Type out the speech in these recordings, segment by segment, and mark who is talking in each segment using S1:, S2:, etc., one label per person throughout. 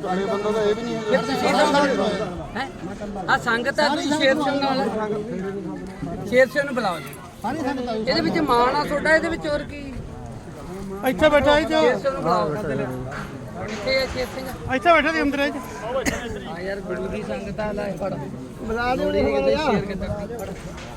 S1: ਕਾਲੇ ਬੰਦਾ ਤਾਂ ਇਹ ਵੀ ਨਹੀਂ
S2: ਫਿਰ ਤੁਸੀਂ ਹੈ ਆ ਸੰਗਤ ਆ ਤੁਸੀਂ ਸ਼ੇਰ ਸਿੰਘ ਨਾਲ ਸ਼ੇਰ ਸਿੰਘ ਨੂੰ ਬੁਲਾਓ ਜੀ ਇਹਦੇ ਵਿੱਚ ਮਾਣ ਆ ਤੁਹਾਡਾ ਇਹਦੇ ਵਿੱਚ ਹੋਰ ਕੀ
S3: ਇੱਥੇ ਬੈਠਾ ਜੀ
S2: ਸ਼ੇਰ ਸਿੰਘ ਨੂੰ ਬੁਲਾਓ ਕਿੱਥੇ ਹੈ ਸ਼ੇਰ ਸਿੰਘ
S3: ਇੱਥੇ ਬੈਠਾ ਦੀ ਅੰਦਰ
S2: ਆ ਯਾਰ ਗੁਰੂ ਦੀ ਸੰਗਤ ਆ ਲੈ ਫੜ
S3: ਬੁਲਾ ਲਿਓ
S2: ਸ਼ੇਰ ਕਿੱਧਰ ਫੜ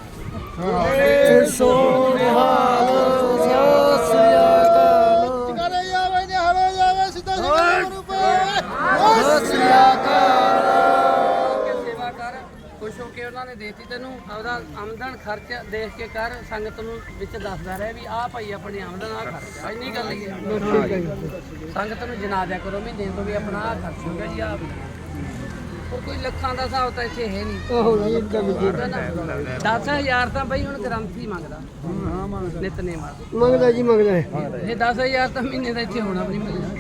S2: ਸੇਵਾ ਕਰ ਖੁਸ਼ ਹੋ ਕੇ ਉਹਨਾਂ ਨੇ ਦੇਤੀ ਤੈਨੂੰ ਆਪਦਾ ਆਮਦਨ ਖਰਚ ਦੇਖ ਕੇ ਕਰ ਸੰਗਤ ਨੂੰ ਵਿੱਚ ਦੱਸਦਾ ਰਹੇ ਵੀ ਆਹ ਭਾਈ ਆਪਣੀ ਆਮਦਨ ਆ ਖਰਚ ਇੰਨੀ ਗੱਲ ਹੀ ਹੈ ਸੰਗਤ ਨੂੰ ਜਨਾ ਦਿਆ ਕਰੋ ਮਹੀਨੇ ਤੋਂ ਵੀ ਆਪਣਾ ਆਹ ਖਰਚ ਹੋ ਗਿਆ ਜੀ ਆਹ ਹੋਰ ਕੋਈ ਲੱਖਾਂ ਦਾ ਹਿਸਾਬ ਤਾਂ ਇੱਥੇ ਹੈ ਨਹੀਂ 10,000 ਤਾਂ ਬਈ ਹੁਣ ਗ੍ਰੰਥੀ ਮੰਗਦਾ ਨਿਤਨੇ
S3: ਮੰਗਦਾ ਜੀ ਮੰਗਦਾ
S2: ਇਹ 10,000 ਤਾਂ ਮਹੀਨੇ ਦਾ ਇੱਥੇ ਹੋਣਾ ਵੀ ਨਹੀਂ ਮਿਲਦਾ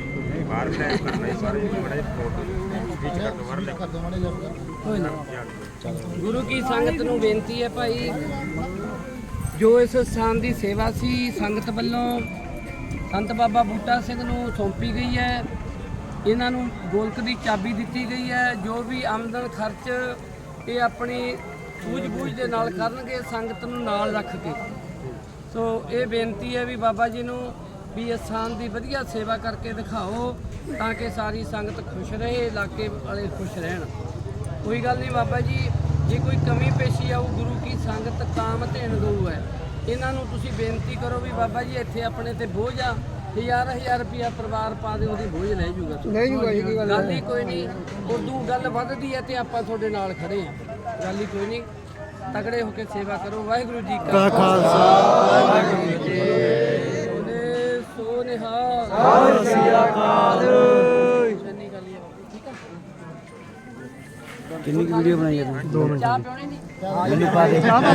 S2: ਗੁਰੂ ਕੀ ਸੰਗਤ ਨੂੰ ਬੇਨਤੀ ਹੈ ਭਾਈ ਜੋ ਇਸ ਸਥਾਨ ਦੀ ਸੇਵਾ ਸੀ ਸੰਗਤ ਵੱਲੋਂ ਸੰਤ ਬਾਬਾ ਬੂਟਾ ਸਿੰਘ ਨੂੰ ਸੌਂਪੀ ਗਈ ਹੈ ਇਹਨਾਂ ਨੂੰ ਗੋਲਕ ਦੀ ਚਾਬੀ ਦਿੱਤੀ ਗਈ ਹੈ ਜੋ ਵੀ ਆਮਦਨ ਖਰਚ ਇਹ ਆਪਣੀ ਸੂਝ-ਬੂਝ ਦੇ ਨਾਲ ਕਰਨਗੇ ਸੰਗਤ ਨੂੰ ਨਾਲ ਰੱਖ ਕੇ ਸੋ ਇਹ ਬੇਨਤੀ ਹੈ ਵੀ ਬਾਬਾ ਜੀ ਨੂੰ ਵੀ ਇਸ ਸਥਾਨ ਦੀ ਵਧੀਆ ਸੇਵਾ ਕਰਕੇ ਦਿਖਾਓ ਤਾਂ ਕਿ ਸਾਰੀ ਸੰਗਤ ਖੁਸ਼ ਰਹੇ ਇਲਾਕੇ ਵਾਲੇ ਖੁਸ਼ ਰਹਿਣ ਕੋਈ ਗੱਲ ਨਹੀਂ ਬਾਬਾ ਜੀ ਜੇ ਕੋਈ ਕਮੀ ਪੇਸ਼ੀ ਆਊ ਗੁਰੂ ਕੀ ਸੰਗਤ ਕਾਮ ਧੇਣ ਗਊ ਹੈ ਇਹਨਾਂ ਨੂੰ ਤੁਸੀਂ ਬੇਨਤੀ ਕਰੋ ਵੀ ਬਾਬਾ ਜੀ ਇੱਥੇ ਆਪਣੇ ਤੇ ਬੋਝ ਆ 1000 ਰੁਪਇਆ ਪਰਿਵਾਰ ਪਾ ਦੇ ਉਹਦੀ ਬੋਝ ਲੈ ਜੂਗਾ ਗੱਲ ਹੀ ਕੋਈ ਨਹੀਂ ਉਦੋਂ ਗੱਲ ਵੱਧਦੀ ਹੈ ਤੇ ਆਪਾਂ ਤੁਹਾਡੇ ਨਾਲ ਖੜੇ ਆ ਗੱਲ ਹੀ ਕੋਈ ਨਹੀਂ ਤਗੜੇ ਹੋ ਕੇ ਸੇਵਾ ਕਰੋ ਵਾਹਿਗੁਰੂ ਜੀ ਕਾ ਖਾਲਸਾ ਵਾਹਿਗੁਰੂ ਜੀ ਕੀ ਫਤਿਹ ਸੋ ਨਿਹਾਲ ਸਤਿ ਸ੍ਰੀ ਅਕਾਲ
S3: ਕਿੰਨੀ ਵੀਡੀਓ ਬਣਾਈ ਹੈ 2 ਮਿੰਟ
S2: ਚਾਹ ਪਿਉਣੀ ਨਹੀਂ
S3: ਮੈਨੂੰ ਪਾ ਦੇ